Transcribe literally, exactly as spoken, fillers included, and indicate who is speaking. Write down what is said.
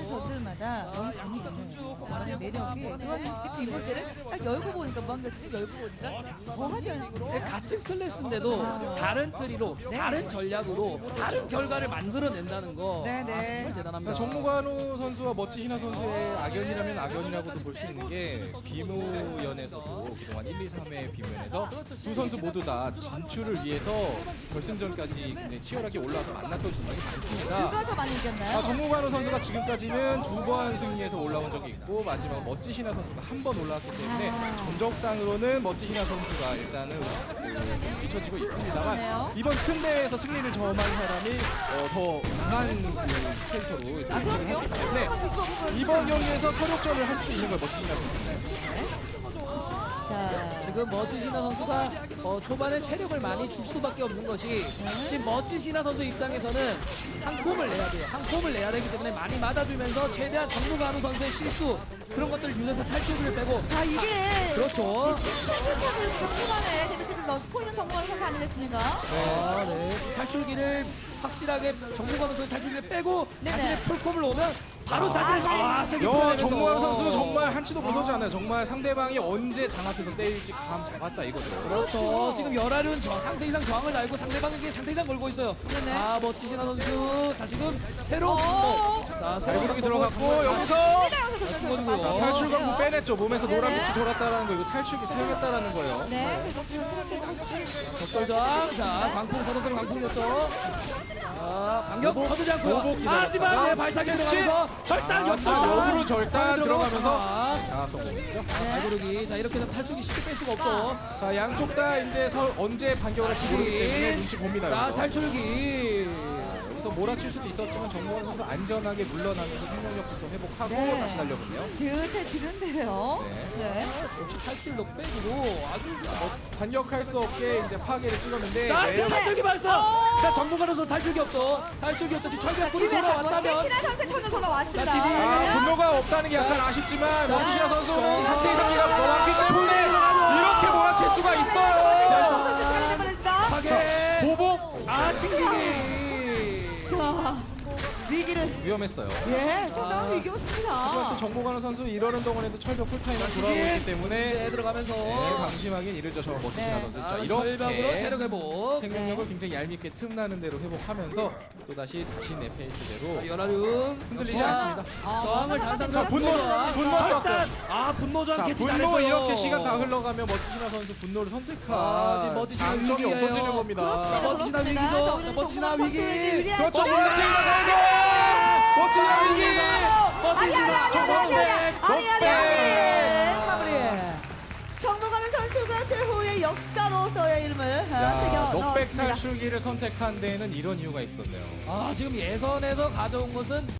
Speaker 1: 저들마다 너무 재밌는 나만의 매력이 조한민 씨 뒷번째를 딱 열고 보니까 무한결승 열고 보니까 더 하지 않습니까?
Speaker 2: 네, 같은 클래스인데도
Speaker 1: 아.
Speaker 2: 다른 트리로
Speaker 1: 네.
Speaker 2: 다른 전략으로 다른 결과를 만들어낸다는 거
Speaker 1: 네, 네.
Speaker 2: 아, 정말 대단합니다.
Speaker 3: 정모관우 선수와 멋지 희나 선수의 악연이라면 악연이라고도 볼 수 있는 게 비무연에서도 그동안 일, 이, 삼회 비무연에서 두 선수 모두 다 진출을 위해서 결승전까지 굉장히 치열하게 올라와서 만났던 전적이 많습니다.
Speaker 1: 누가 더 많이 이겼나요?
Speaker 3: 아, 정모관우 선수가 지금까지는 두 번 승리해서 올라온 적이 있고 마지막 멋지 희나 선수가 한 번 올라왔기 때문에
Speaker 1: 아.
Speaker 3: 전적상으로는 멋지 희나 선수가 일단은 그, 뒤처지고 있습니다만
Speaker 1: 그러네요.
Speaker 3: 이번 큰 대회에서 승리를 점한 사람이 어, 더 강한 그 캐릭터로 이제 인식을 했기 때문에 이번 경기에서 서력전을 할 수도 있는 걸 멋지 희나 선수입니다.
Speaker 1: 자,
Speaker 2: 지금 멋지시나 선수가 어, 초반에 체력을 많이 줄 수밖에 없는 것이 지금 멋지시나 선수 입장에서는 한 콤을 내야 돼요. 한 콤을 내야 되기 때문에 많이 맞아주면서 최대한 정무관우 선수의 실수 그런 것들을 유도해서 탈출을 빼고
Speaker 1: 자 이게
Speaker 2: 그렇죠.
Speaker 1: 를 지금 초반에 데뷔시를 넣고 있는 정보를 선수 아니겠습니까?
Speaker 2: 아, 네. 탈출기를 확실하게 정무관우 선수의 탈출기를 빼고
Speaker 1: 네네.
Speaker 2: 자신의 풀콤을 오면 바로 자신의 아, 세게
Speaker 3: 여
Speaker 2: 풀어내면서
Speaker 3: 정모환 선수 정말 한치도 벗어지 않아요. 정말 상대방이 언제 장앞에서 때릴지 감 잡았다 이거죠.
Speaker 2: 그렇죠. 지금 열알은 저 상태 이상 저항을 달고 상대방에게 상태 이상 걸고 있어요.
Speaker 1: 네네.
Speaker 2: 아 멋지시나 선수. 자 지금 새로운
Speaker 1: 어.
Speaker 2: 분도. 자
Speaker 3: 발구르기 들어갔고 여기서
Speaker 2: 죽어주고요.
Speaker 3: 탈출광부 빼냈죠. 몸에서
Speaker 1: 네네.
Speaker 3: 노란 빛이 돌았다라는 거 이거 탈출기 사용했다라는 거예요.
Speaker 1: 네, 그래서 지금 체력적으로
Speaker 2: 적돌장. 자 광풍 서로 서로 광풍이었죠. 자 반격
Speaker 3: 오복,
Speaker 2: 쳐주지 않고요.
Speaker 3: 오복 기다렸다가
Speaker 2: 하지만 네, 발차기
Speaker 3: 캐치.
Speaker 2: 들어가면서 절단
Speaker 3: 자,
Speaker 2: 역전.
Speaker 3: 역으로 절단 들어가면서
Speaker 2: 자,
Speaker 3: 자 성공했죠.
Speaker 2: 발구르기. 자 이렇게 되면 탈출기 쉽게 뺄 수가 없죠.
Speaker 3: 자 양쪽 다 이제 서, 언제 반격을 할지 모르기 때문에 눈치 봅니다.
Speaker 2: 자
Speaker 3: 여기서.
Speaker 2: 탈출기.
Speaker 3: 여기서 몰아칠 수도 있었지만 정모환 선수 안전하게 물러나면서 생명력부터 회복하고
Speaker 1: 네.
Speaker 3: 다시 달려보네요.
Speaker 1: 스슷해지는데요.
Speaker 3: 네.
Speaker 1: 네.
Speaker 2: 역시 탈출도 빼고 아주
Speaker 3: 반격할 수 없게 이제 파괴를 찍었는데
Speaker 2: 자,
Speaker 3: 네.
Speaker 2: 지금 탈출기 발사! 자, 정보가로서 탈출기 없죠? 탈출기 없어. 지금 철벽군이
Speaker 1: 김혜자 멋진
Speaker 2: 돌아왔다면.
Speaker 1: 신하 선수의 턴으로 돌아왔습니다.
Speaker 2: 자, 지금.
Speaker 3: 아, 분노가 없다는 게 약간
Speaker 2: 자,
Speaker 3: 아쉽지만
Speaker 2: 자,
Speaker 3: 멋지시나 선수는
Speaker 2: 자,
Speaker 3: 상태 이상이가
Speaker 2: 자,
Speaker 3: 넘었기
Speaker 2: 자,
Speaker 3: 때문에
Speaker 2: 자,
Speaker 3: 이렇게 몰아칠 수가
Speaker 1: 선수
Speaker 3: 있어요.
Speaker 1: 시간이 좀 걸립니다.
Speaker 2: 파괴!
Speaker 3: 보복
Speaker 2: 아, 튕기기!
Speaker 1: 자, 위기를
Speaker 3: 위험했어요.
Speaker 1: 예,
Speaker 2: 아.
Speaker 1: 상당히 이겼습니다.
Speaker 3: 하지만 또 정보관우 선수 이러는 동안에도 철벽 쿨타임을
Speaker 2: 자,
Speaker 3: 돌아오고 있기
Speaker 2: 지금.
Speaker 3: 때문에
Speaker 2: 네, 들어가면서.
Speaker 3: 네, 방심하긴 이르죠. 저 멋지시나
Speaker 1: 네.
Speaker 3: 선수.
Speaker 2: 자,
Speaker 3: 자,
Speaker 2: 철벽으로
Speaker 3: 이렇게
Speaker 2: 체력 회복.
Speaker 3: 생명력을 굉장히 얄밉게 틈나는 대로 회복하면서 또다시 자신의 페이스대로
Speaker 2: 열아름.
Speaker 3: 흔들리지
Speaker 2: 역시
Speaker 3: 않습니다.
Speaker 1: 아,
Speaker 2: 저항을
Speaker 1: 자,
Speaker 2: 단상적
Speaker 3: 분노, 분노 썼어요.
Speaker 2: 아, 분노 저항
Speaker 3: 자,
Speaker 2: 캐치
Speaker 3: 분노
Speaker 2: 잘했어요.
Speaker 3: 이렇게 시간 다 흘러가면 멋지시나 선수 분노를 선택한
Speaker 2: 아, 지금 멋지시나
Speaker 3: 장점이
Speaker 2: 위기예요.
Speaker 3: 없어지는 겁니다.
Speaker 1: 그렇습니다.
Speaker 2: 멋지시나
Speaker 1: 그렇습니다.
Speaker 2: 위기죠.
Speaker 1: 자, 오늘은
Speaker 2: 멋지시나
Speaker 1: 정보관
Speaker 2: 위기.
Speaker 1: 선수에게 유리한
Speaker 3: 그렇죠.
Speaker 1: 점.
Speaker 3: 몰아치기 나가면서 멋지시나 위기.
Speaker 1: 아니 아니 아니 아니 아니 아니 아니 아니 아니 마무리. 정보가는 선수가 최후의 역사로서의 이름을 아,
Speaker 3: 야,
Speaker 1: 새겨
Speaker 3: 넉백
Speaker 1: 넣었습니다.
Speaker 3: 탈출기를 선택한 데에는 이런 이유가 있었네요.
Speaker 2: 아, 지금 예선에서 가져온 것은